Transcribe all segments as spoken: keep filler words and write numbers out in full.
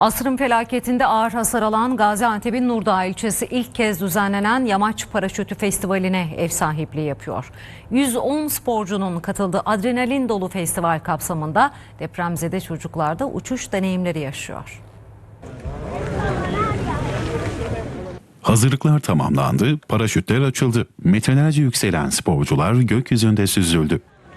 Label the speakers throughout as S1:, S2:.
S1: Asrın felaketinde ağır hasar alan Gaziantep'in Nurdağ ilçesi ilk kez düzenlenen Yamaç Paraşütü Festivali'ne ev sahipliği yapıyor. yüz on sporcunun katıldığı adrenalin dolu festival kapsamında depremzede çocuklar da uçuş deneyimleri yaşıyor.
S2: Hazırlıklar tamamlandı, paraşütler açıldı. Metrelerce yükselen sporcular gökyüzünde süzüldü.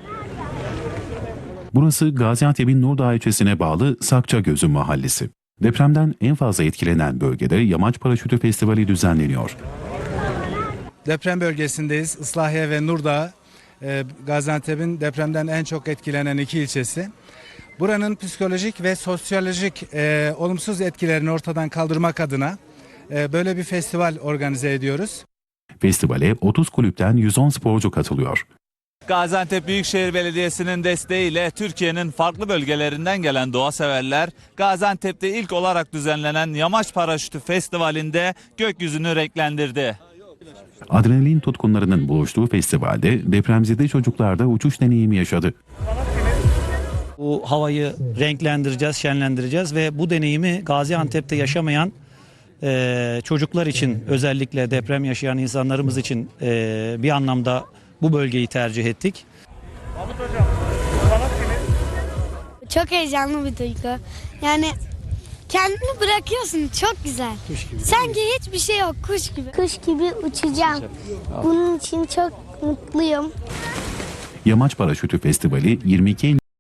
S2: Burası Gaziantep'in Nurdağ ilçesine bağlı Sakçagözü mahallesi. Depremden en fazla etkilenen bölgede Yamaç Paraşütü Festivali düzenleniyor.
S3: Deprem bölgesindeyiz. Islahiye ve Nurdağ, e, Gaziantep'in depremden en çok etkilenen iki ilçesi. Buranın psikolojik ve sosyolojik e, olumsuz etkilerini ortadan kaldırmak adına e, böyle bir festival organize ediyoruz.
S2: Festivale otuz kulüpten yüz on sporcu katılıyor.
S4: Gaziantep Büyükşehir Belediyesi'nin desteğiyle Türkiye'nin farklı bölgelerinden gelen doğa severler Gaziantep'te ilk olarak düzenlenen Yamaç Paraşütü Festivali'nde gökyüzünü renklendirdi.
S2: Adrenalin tutkunlarının buluştuğu festivalde depremzede çocuklar da uçuş deneyimi yaşadı.
S5: Bu havayı renklendireceğiz, şenlendireceğiz ve bu deneyimi Gaziantep'te yaşamayan e, çocuklar için, özellikle deprem yaşayan insanlarımız için e, bir anlamda bu bölgeyi tercih ettik.
S6: Çok heyecanlı bir duygu. Yani kendini bırakıyorsun, çok güzel. Sanki hiçbir şey yok, kuş gibi. Kuş gibi uçacağım. Bunun için çok mutluyum.
S2: Yamaç Paraşütü Festivali yirmi iki